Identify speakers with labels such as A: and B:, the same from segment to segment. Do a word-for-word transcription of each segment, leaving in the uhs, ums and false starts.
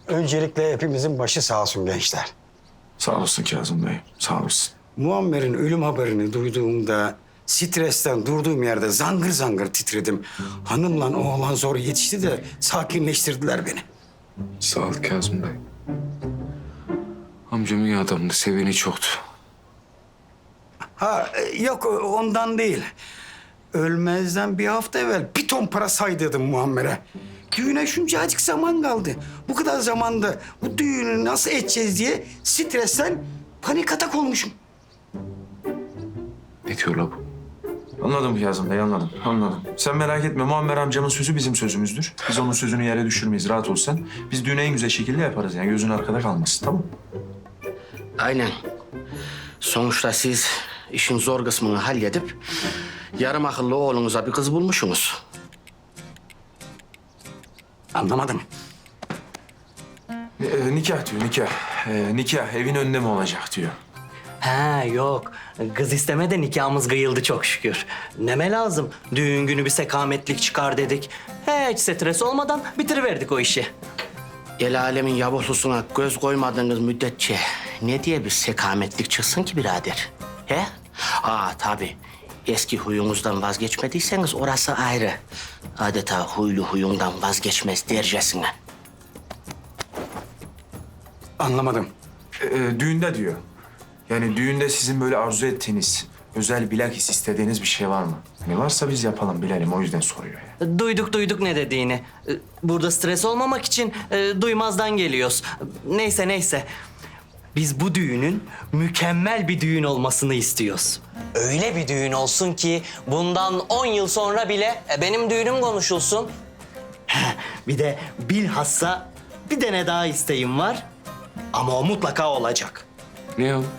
A: Öncelikle hepimizin başı sağ olsun gençler.
B: Sağ olasın Kazım Bey, sağ olasın.
A: Muammer'in ölüm haberini duyduğumda stresten durduğum yerde zangır zangır titredim. Hanımla oğlan zor yetişti de sakinleştirdiler beni.
C: Sağ ol Kazım Bey. Amcam iyi adamdı, seveni çoktu.
A: Ha e, yok ondan değil. Ölmezden bir hafta evvel bir ton para saydırdım Muammer'e. Düğüne şuncacık zaman kaldı. Bu kadar zamanda bu düğünü nasıl edeceğiz diye stresten panik atak olmuşum.
C: Ne diyor la bu?
B: Anladım Kazım Bey, anladım, anladım. Sen merak etme, Muammer amcamın sözü bizim sözümüzdür. Biz onun sözünü yere düşürmeyiz, rahat ol sen. Biz düğünü en güzel şekilde yaparız yani, gözün arkada kalmasın, tamam mı?
D: Aynen. Sonuçta siz işin zor kısmını halledip yarım akıllı oğlunuza bir kız bulmuşsunuz.
A: Anlamadım.
B: Ee, nikah diyor, nikah. Ee, nikah evin önünde mi olacak diyor.
E: Ha yok. Kız isteme de nikahımız kıyıldı çok şükür. Neme lazım? Düğün günü bir sekametlik çıkar dedik. Hiç stres olmadan bitiriverdik o işi.
D: El alemin yavuklusuna göz koymadığınız müddetçe ne diye bir sekametlik çıksın ki birader? He? Aa tabii. Eski huyunuzdan vazgeçmediyseniz orası ayrı. Adeta huylu huyundan vazgeçmez dercesine.
A: Anlamadım.
B: Ee, düğünde diyor. Yani düğünde sizin böyle arzu ettiğiniz, özel bilakis istediğiniz bir şey var mı? Ne varsa biz yapalım, bilelim. O yüzden soruyor yani.
E: Duyduk duyduk ne dediğini. Burada stres olmamak için e, duymazdan geliyoruz. Neyse neyse. Biz bu düğünün mükemmel bir düğün olmasını istiyoruz. Öyle bir düğün olsun ki bundan on yıl sonra bile e, benim düğünüm konuşulsun. Bir de bilhassa bir tane daha isteğim var. Ama o mutlaka olacak.
C: Ne o?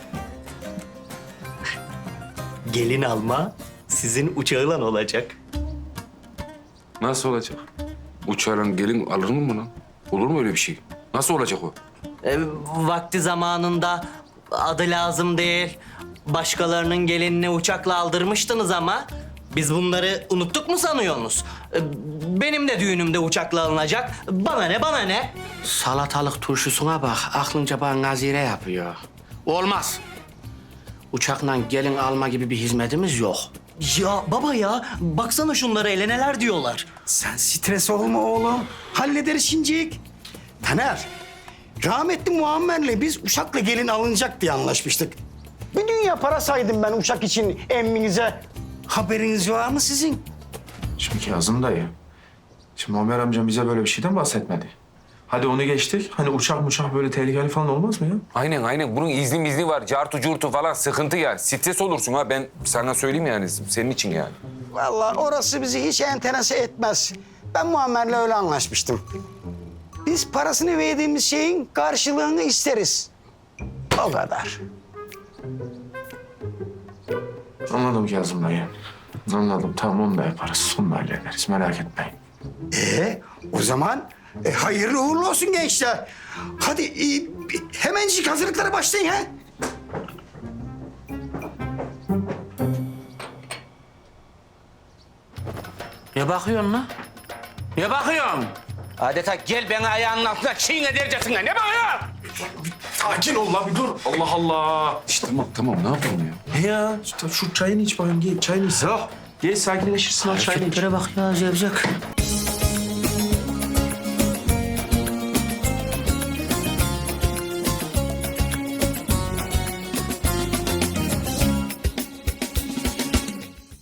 E: Gelin alma sizin uçağıyla olacak.
C: Nasıl olacak? Uçağla gelin alır mı bunu? Olur mu öyle bir şey? Nasıl olacak o?
E: E, vakti zamanında adı lazım değil. Başkalarının gelinini uçakla aldırmıştınız ama biz bunları unuttuk mu sanıyorsunuz? E, benim de düğünümde uçakla alınacak. Bana ne bana ne?
D: Salatalık turşusuna bak, aklınca bana nazire yapıyor. Olmaz. Uçakla gelin alma gibi bir hizmetimiz yok.
E: Ya baba ya baksana şunlara ele neler diyorlar.
A: Sen stres olma oğlum. Hallederiz şimdilik. Taner, rahmetli Muammer'le biz uçakla gelin alınacak diye anlaşmıştık. Bir dünya para saydım ben uçak için emminize. Haberiniz var mı sizin?
B: Şimdi Kazım dayı, şimdi Muammer amcam bize böyle bir şeyden bahsetmedi. Hadi onu geçtik. Hani uçak uçak böyle tehlikeli falan olmaz mı ya?
C: Aynen aynen. Bunun izni mizni var. Cartu curtu falan sıkıntı ya. Stres olursun ha. Ben sana söyleyeyim yani. Senin için yani.
A: Vallahi orası bizi hiç enterese etmez. Ben Muammer'le öyle anlaşmıştım. Biz parasını verdiğimiz şeyin karşılığını isteriz. O kadar.
B: Anladım Kazım dayı. Anladım. Tamam, onu da yaparız. Onu da hallederiz. Merak etmeyin.
A: Ee, o zaman e, hayırlı uğurlu olsun gençler. Hadi e, hemencik hazırlıklara başlayın ha.
D: Ne bakıyorsun lan? Ne bakıyorsun? Adeta gel beni ayağının altına çiğne dercesine. Ne bakıyorsun?
B: Sakin ol lan bir dur. Allah Allah.
C: İşte tamam tamam. Ne yapalım ya?
B: Ya şu, şu çayını iç bakayım. Gel çayını iç. Gel sakinleşirsin al çayını iç.
D: Hareketlere bak ya, zevzek.